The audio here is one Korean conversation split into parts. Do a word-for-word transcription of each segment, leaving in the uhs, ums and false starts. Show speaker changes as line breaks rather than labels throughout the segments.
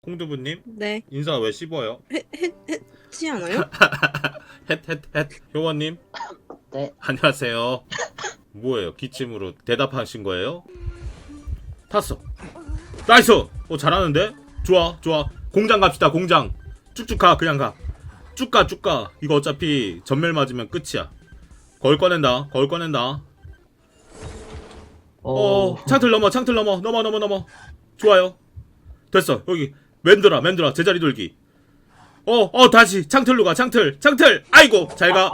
콩두부님
네.
인사 왜 씹어요?
했지 않아요?
헷헷헷 효원님
네.
안녕하세요. 뭐예요? 기침으로 대답하신 거예요? 탔어. 나이스. 어 잘하는데? 좋아 좋아. 공장 갑시다. 공장. 쭉쭉 가. 그냥 가. 쭉 가 쭉 가. 이거 어차피 전멸 맞으면 끝이야. 거울 꺼낸다. 거울 꺼낸다. 어 창틀 넘어 창틀 넘어 넘어 넘어 넘어. 좋아요. 됐어. 여기 맨들아 맨들아 제자리 돌기. 어 어 다시 창틀로 가. 창틀 창틀. 아이고 잘 가.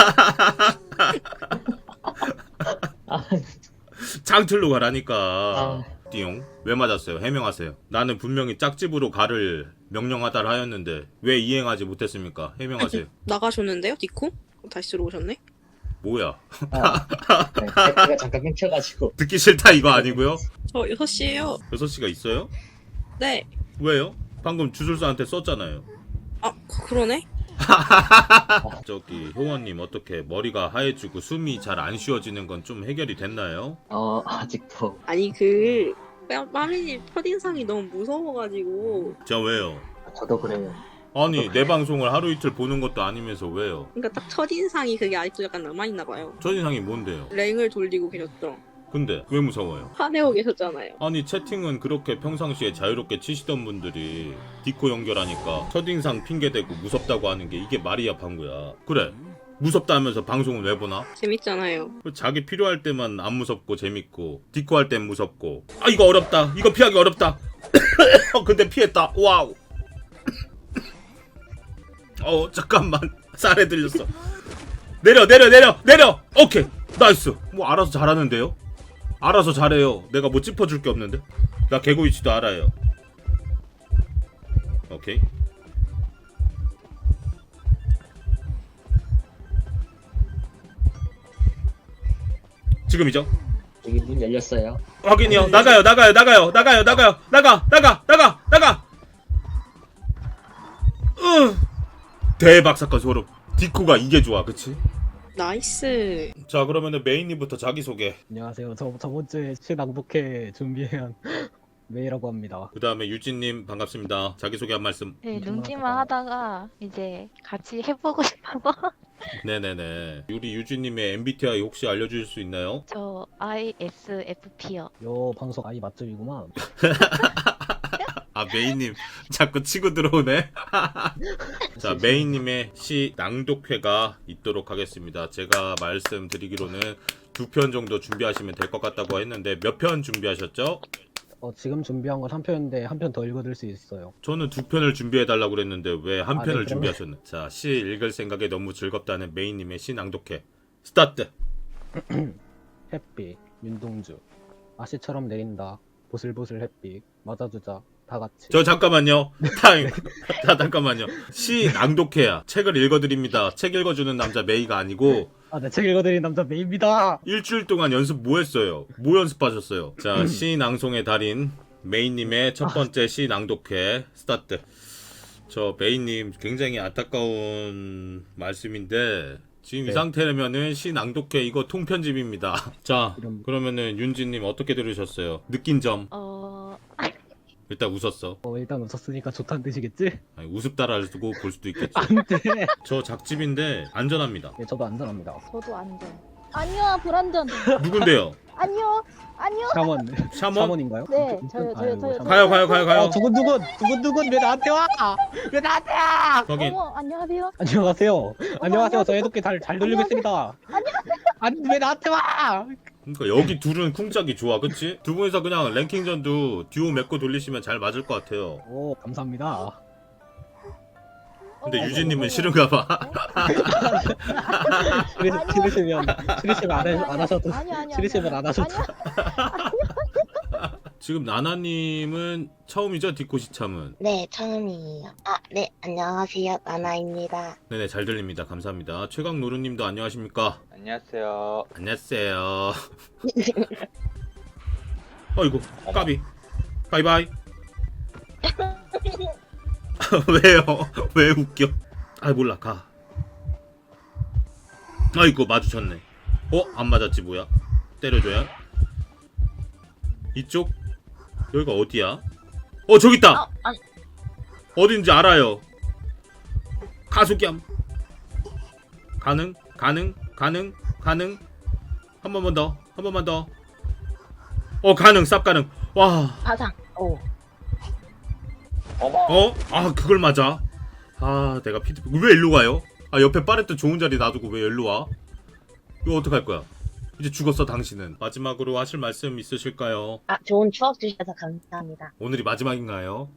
창틀로 가라니까. 띠용. 왜 맞았어요? 해명하세요. 나는 분명히 짝집으로 가를 명령하다를 하였는데 왜 이행하지 못했습니까? 해명하세요.
나가셨는데요, 디코? 다시 들어오셨네?
뭐야?
아, 네, 제가 잠깐 끊겨가지고.
듣기 싫다 이거 아니고요?
저 여섯 시에요.
여섯 시가 있어요?
네.
왜요? 방금 주술사한테 썼잖아요.
아, 그- 그러네?
저기 효원님 어떻게 머리가 하얘지고 숨이 잘 안 쉬어지는 건 좀 해결이 됐나요?
어, 아직도.
아니, 그, 빠미님 첫인상이 너무 무서워가지고.
자 왜요?
저도 그래요.
아니 내 방송을 하루 이틀 보는 것도 아니면서 왜요?
그러니까 딱 첫인상이 그게 아직도 약간 남아있나봐요.
첫인상이 뭔데요?
랭을 돌리고 계셨죠?
근데 왜 무서워요?
화내고 계셨잖아요.
아니 채팅은 그렇게 평상시에 자유롭게 치시던 분들이 디코 연결하니까 첫인상 핑계대고 무섭다고 하는 게 이게 말이야 방구야. 그래 무섭다 하면서 방송은 왜 보나?
재밌잖아요.
자기 필요할 때만 안 무섭고 재밌고 디코 할 땐 무섭고. 아 이거 어렵다. 이거 피하기 어렵다. 근데 피했다. 와우. 어 잠깐만 쌀에 들렸어. 내려 내려 내려 내려. 오케이 나이스. 뭐 알아서 잘하는데요? 알아서 잘해요. 내가 뭐 짚어줄 게 없는데. 나 개구 위치도 알아요. 오케이. 지금이죠?
여기 문 열렸어요.
확인이요. 나가요 나가요 나가요 나가요 나가요 나가 나가 나가 나가. 으 대박 사건 소름. 디코가 이게 좋아 그치?
나이스.
자 그러면은 메인님부터 자기소개.
안녕하세요. 저 저번 주에 실낭독회 준비한 메이라고 합니다.
그 다음에 유진님 반갑습니다. 자기소개 한 말씀.
네,
좀
눈치만
하다가.
하다가 이제 같이 해보고 싶어서
네네네. 우리 유진님의 엠비티아이 혹시 알려주실 수 있나요?
저 아이에스에프피요.
요 방송 아이 맛집이구만.
아 메인님 자꾸 치고 들어오네. 자 메인님의 시 낭독회가 있도록 하겠습니다. 제가 말씀드리기로는 두 편 정도 준비하시면 될 것 같다고 했는데 몇 편 준비하셨죠?
어 지금 준비한 건 한 편인데 한 편 더 읽어드릴 수 있어요.
저는 두 편을 준비해달라고 그랬는데 왜 한
아,
편을
네, 그러면-
준비하셨나? 자 시 읽을 생각에 너무 즐겁다는 메인님의 시 낭독회 스타트.
햇빛, 윤동주, 아씨처럼 내린다. 보슬보슬 햇빛, 맞아주자. 다 같이.
저 잠깐만요. 타임. 자 잠깐만요. 시 낭독회야. 책을 읽어드립니다. 책 읽어주는 남자 메이가 아니고
아, 네, 책 읽어드린 남자 메이입니다.
일주일 동안 연습 뭐 했어요? 뭐 연습하셨어요? 자, 시 낭송의 달인 메인님의 첫 번째 시 낭독회 스타트. 저 메인님 굉장히 안타까운 말씀인데 지금 이
네.
상태라면은 시 낭독회 이거 통편집입니다. 자,
이런-
그러면은 윤지님 어떻게 들으셨어요? 느낀 점
어,
일단 웃었어.
어 일단 웃었으니까 좋다는 뜻이겠지?
아니, 우습다라고 볼 수도 있겠지.
안 돼.
저 작집인데 안전합니다.
네, 저도 안전합니다.
저도 안전. 아니요, 불안전.
누군데요?
아니요, 아니요.
샤먼.
샤먼?
샤먼인가요?
네,
좀-
저요,
좀-
저요,
아이고,
저요,
샤먼.
가요, 가요, 가요, 가요.
어, 두근두근, 두근두근 왜 나한테 와? 왜 나한테 와?
확인.
어머, 안녕하세요.
안녕하세요. 안녕하세요.
안녕하세요.
저 해독기 잘, 잘 돌리고 있습니다. 안녕하세요. 왜 나한테 와?
그러니까 여기 둘은 쿵짝이 좋아, 그치? 두 분이서 그냥 랭킹전도 듀오 맺고 돌리시면 잘 맞을 것 같아요.
오, 감사합니다.
근데
어머,
유진님은
어머,
싫은가 봐.
싫으-
아니요.
싫으시면, 싫으시면 안,
아니요,
하- 안 하셔도,
아니요, 아니요,
싫으시면 안 하셔도.
아니요.
지금 나나님은 처음이죠, 디코 시참은.
네, 처음이에요. 아, 네, 안녕하세요. 나나입니다.
네네, 잘 들립니다. 감사합니다. 최강 노루님도 안녕하십니까?
안녕하세요.
안녕하세요. 어이구, 까비. 바이바이. 왜요? 왜 웃겨? 아 몰라, 가. 아이고, 마주쳤네. 어? 안 맞았지, 뭐야? 때려줘야? 이쪽? 여기가 어디야? 어, 저기 있다!
어, 아니,
어딘지 알아요. 가속염. 가능? 가능? 가능? 가능? 한 번만 더. 한 번만 더. 어 가능. 쌉 가능. 와.
파상. 오.
어? 아 그걸 맞아. 아 내가 피드 왜 일로 가요? 아 옆에 파레트 좋은 자리 놔두고 왜 일로 와? 이거 어떡할 거야? 이제 죽었어 당신은. 마지막으로 하실 말씀 있으실까요?
아, 좋은 추억 주셔서 감사합니다.
오늘이 마지막인가요?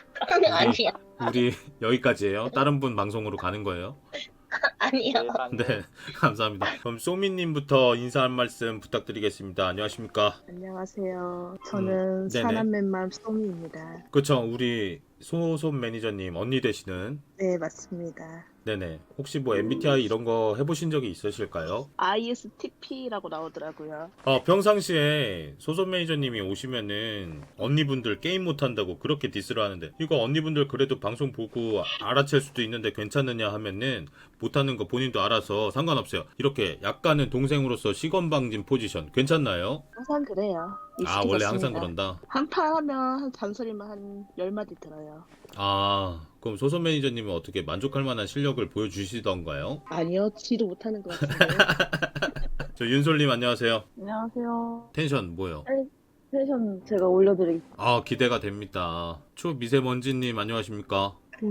아니요.
우리 여기까지예요. 다른 분 방송으로 가는 거예요.
아니요.
네 감사합니다. 그럼 소미님부터 인사 한 말씀 부탁드리겠습니다. 안녕하십니까?
안녕하세요. 저는
음, 네네.
사남맨맘 소미입니다.
그쵸 우리 소손 매니저님 언니 되시는.
네, 맞습니다.
네네 혹시 뭐 엠비티아이 이런 거 해보신 적이 있으실까요?
아이에스티피라고 나오더라고요.
어, 평상시에 소손 매니저님이 오시면은 언니분들 게임 못한다고 그렇게 디스를 하는데 이거 언니분들 그래도 방송 보고 알아챌 수도 있는데 괜찮느냐 하면은 못하는 거 본인도 알아서 상관없어요. 이렇게 약간은 동생으로서 시건방진 포지션 괜찮나요?
항상 그래요.
아 원래 항상 그런다.
한판 하면 한 잔소리만 한 열 마디 들어요.
아 그럼 소손 매니저님은 어떻게 만족할 만한 실력을 보여주시던가요?
아니요, 지도 못하는 것 같은데요.
저 윤솔님 안녕하세요.
안녕하세요.
텐션 뭐요?
텐션 제가 올려드리겠습니다.
아 기대가 됩니다. 초미세먼지님 안녕하십니까?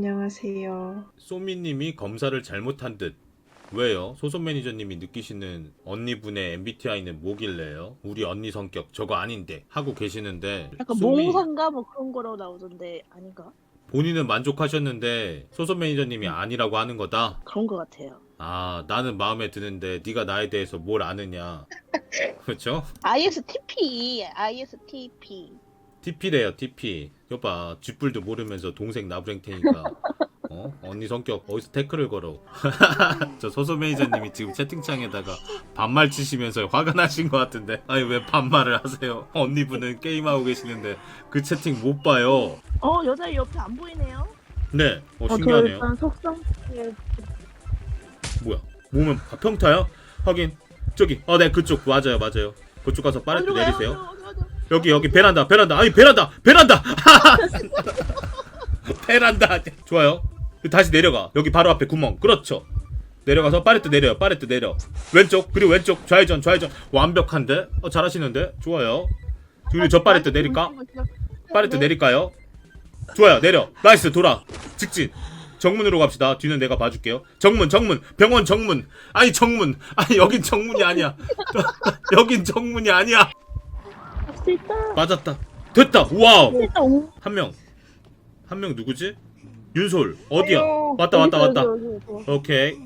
안녕하세요.
소미님이 검사를 잘못한 듯. 왜요? 소손 매니저님이 느끼시는 언니분의 엠비티아이는 뭐길래요? 우리 언니 성격 저거 아닌데 하고 계시는데
약간
소미
몽상가 뭐 그런 거로 나오던데 아닌가?
본인은 만족하셨는데 소손 매니저님이 아니라고 하는 거다?
그런 것 같아요.
아 나는 마음에 드는데 네가 나에 대해서 뭘 아느냐. 그렇죠?
아이에스티피, 아이에스티피.
티피래요 티피. 여봐 쥐뿔도 모르면서 동생 나부랭 테니까 어? 언니 성격 어디서 태클을 걸어. 저 소소 매니저님이 지금 채팅창에다가 반말 치시면서 화가 나신 것 같은데 아니 왜 반말을 하세요? 언니분은 게임하고 계시는데 그 채팅 못 봐요.
어, 여자 옆에 안 보이네요?
네 어,
어, 저
신기하네요.
일단 속성
뭐야 몸은 아, 평타요? 확인 저기 어 네 그쪽 맞아요 맞아요 그쪽 가서 빠르게
어디로 가요?
내리세요.
어디로, 어디로, 어디로?
여기 여기 베란다 베란다 아니 베란다 베란다 베란다 좋아요. 다시 내려가 여기 바로 앞에 구멍 그렇죠. 내려가서 파레트 내려요 파레트 내려 왼쪽 그리고 왼쪽 좌회전 좌회전 완벽한데 어 잘하시는데 좋아요. 우리 저 파레트 내릴까? 파레트 내릴까요? 좋아요 내려 나이스 돌아 직진 정문으로 갑시다. 뒤는 내가 봐줄게요. 정문 정문 병원 정문 아니 정문 아니 여긴 정문이 아니야. 여긴 정문이 아니야.
할 수 있다.
맞았다. 됐다. 와우.
일단 오.
한 명. 한 명 누구지? 윤솔. 어디야? 왔다 왔다 왔다. 오케이.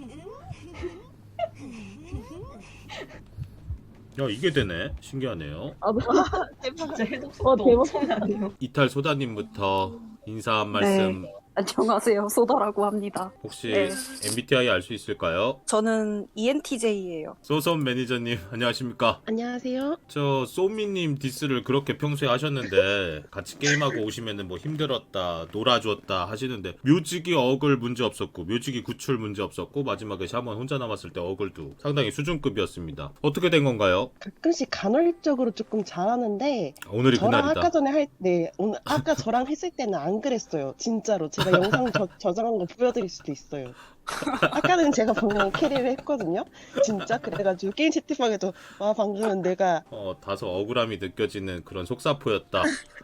야 이게 되네. 신기하네요.
아, 뭐.
진짜 해독
어, 대박.
엄청나네요.
이탈 소다님부터 인사 한 말씀.
안녕하세요. 소다라고 합니다.
혹시
네.
엠비티아이 알 수 있을까요?
저는 이엔티제이예요.
소손 매니저님 안녕하십니까?
안녕하세요.
저 소미님 디스를 그렇게 평소에 하셨는데 같이 게임하고 오시면은 뭐 힘들었다 놀아줬다 하시는데 묘지기 어글 문제 없었고 묘지기 구출 문제 없었고 마지막에 샤먼 혼자 남았을 때 어글도 상당히 수준급이었습니다. 어떻게 된 건가요?
가끔씩 간헐적으로 조금 잘하는데
오늘이
저랑
그날이다.
아까 전에 할 네 오늘 아까 저랑 했을 때는 안 그랬어요. 진짜로 제가 영상 저, 저장한 거 보여드릴 수도 있어요. 아까는 제가 분명히 캐리를 했거든요. 진짜 그래가지고 게임 채팅방에도 와 방금은 내가
어 다소 억울함이 느껴지는 그런 속사포였다.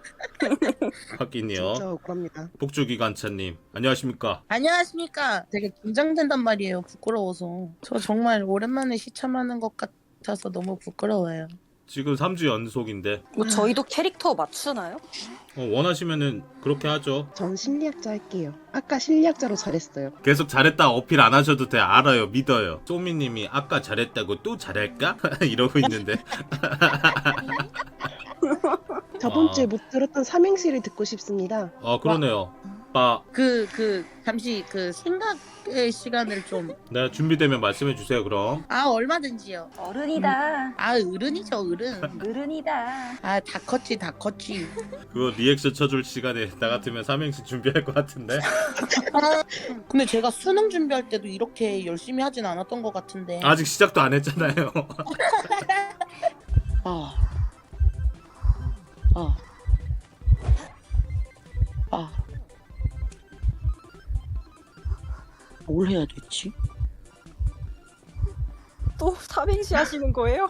확인이요.
진짜 억울합니다.
폭주기관차님 안녕하십니까?
안녕하십니까. 되게 긴장된단 말이에요. 부끄러워서. 저 정말 오랜만에 시참하는 것 같아서 너무 부끄러워요.
지금 삼 주 연속인데
뭐 저희도 캐릭터 맞추나요?
어, 원하시면은 그렇게 하죠.
전 심리학자 할게요. 아까 심리학자로 잘했어요.
계속 잘했다 어필 안 하셔도 돼. 알아요 믿어요. 소미님이 아까 잘했다고 또 잘할까? 이러고 있는데
저번
아.
주에 못 들었던 삼행시를 듣고 싶습니다.
아 그러네요. 빠
그, 그, 잠시 그 생각의 시간을 좀.
네, 준비되면 말씀해 주세요. 그럼
아, 얼마든지요.
어른이다.
아, 어른이죠, 어른.
어른이다.
아, 다 컸지, 다 컸지.
그거 리액션 쳐줄 시간에 나 같으면 삼행시 준비할 것 같은데.
아, 근데 제가 수능 준비할 때도 이렇게 열심히 하진 않았던 것 같은데.
아직 시작도 안 했잖아요.
아. 아. 아. 뭘 해야 되지?
또 삼행시 하시는 거예요?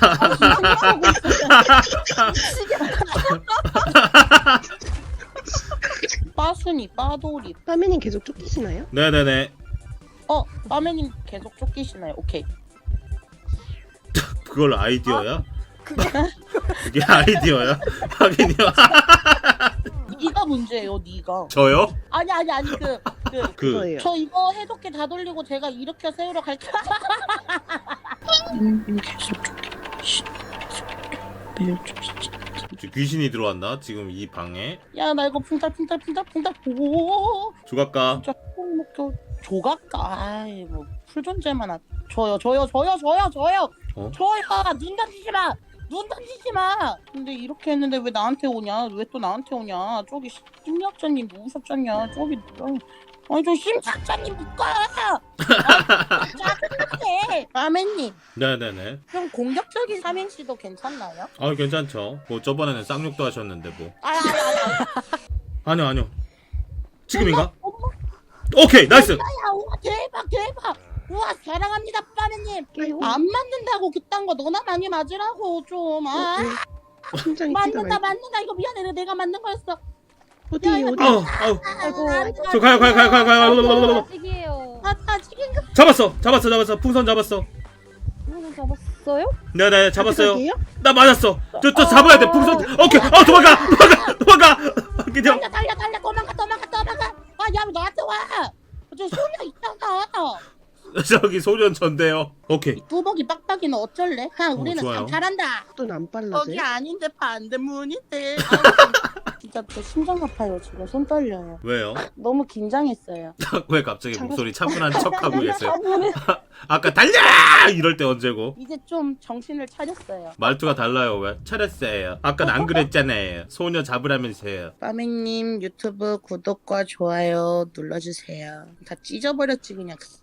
빠순이, 빠돌이.
빠매님 계속 쫓기시나요?
네네네.
어, 빠매님 계속 쫓기시나요? 오케이.
그걸 아이디어야? 그게 아이디어야? 하긴요.
네가 문제예요, 네가.
저요?
아니 아니 아니 그 그 저
그
그거예요.
이거 해독기 다 돌리고 제가 일으켜 세우러 갈게요. 음, 계속 쫓기.
지금 귀신이 들어왔나? 지금 이 방에
야, 나 이거 풍탈 풍탈 풍탈 풍탈 오
조각가.
진짜 목표 조각가. 아이 뭐 풀존재만 하. 저요 저요 저요 저요 저요
어?
저요 눈 던지지 마. 눈 던지지 마. 근데 이렇게 했는데 왜 나한테 오냐? 왜 또 나한테 오냐? 저기 심리학자님 누구셨잖냐? 저기 어, 아니 저 심리학자님 누가? 아, 짜증나게. 아멘님
네네네.
좀 공격적인 삼행시도 괜찮나요?
아 괜찮죠. 뭐 저번에는 쌍욕도 하셨는데 뭐.
아니 아니 아니.
아니요 아니요. 지금인가? 오케이 나이스.
야, 우와 대박 대박. 우와 사랑합니다 빠르님. 안 맞는다고 그딴 거 너나 많이 맞으라고 좀. 아
심장이 뛰가
맞는다
말.
맞는다 이거 미안해 내가 맞는 거였어.
어디
야,
어디?
아우 아우.
아이고
저 가요 가요 가요 가요 가요.
아직이에요.
아 아직인가?
잡았어 잡았어 잡았어 풍선 잡았어.
오늘 잡았어요?
네네 잡았어요.
아직이에요?
나 맞았어. 저 저 잡아야 돼 풍선. 오케이. 어 도망가 도망가 도망가. 그냥
달려 달려 달려 도망가 도망가 도망가. 아야 너한테 와. 저 소녀 있잖아.
저기 소년 전대요. 오케이.
뚜벅이 빡빡이는 어쩔래? 하
어,
우리는
좋아요.
참 잘한다.
또안
거기
빨라져요?
아닌데 반대문인데. 진짜 저 심장 아파요. 지금 손 떨려요.
왜요?
너무 긴장했어요.
왜 갑자기
참고
목소리 차분한 척하고 계세요? 아까 달려 이럴 때 언제고?
이제 좀 정신을 차렸어요.
말투가 달라요. 왜? 차렸어요. 아까 안 그랬잖아요. 소녀 잡으라면서요.
빠맹님 유튜브 구독과 좋아요 눌러주세요. 다 찢어버렸지 그냥.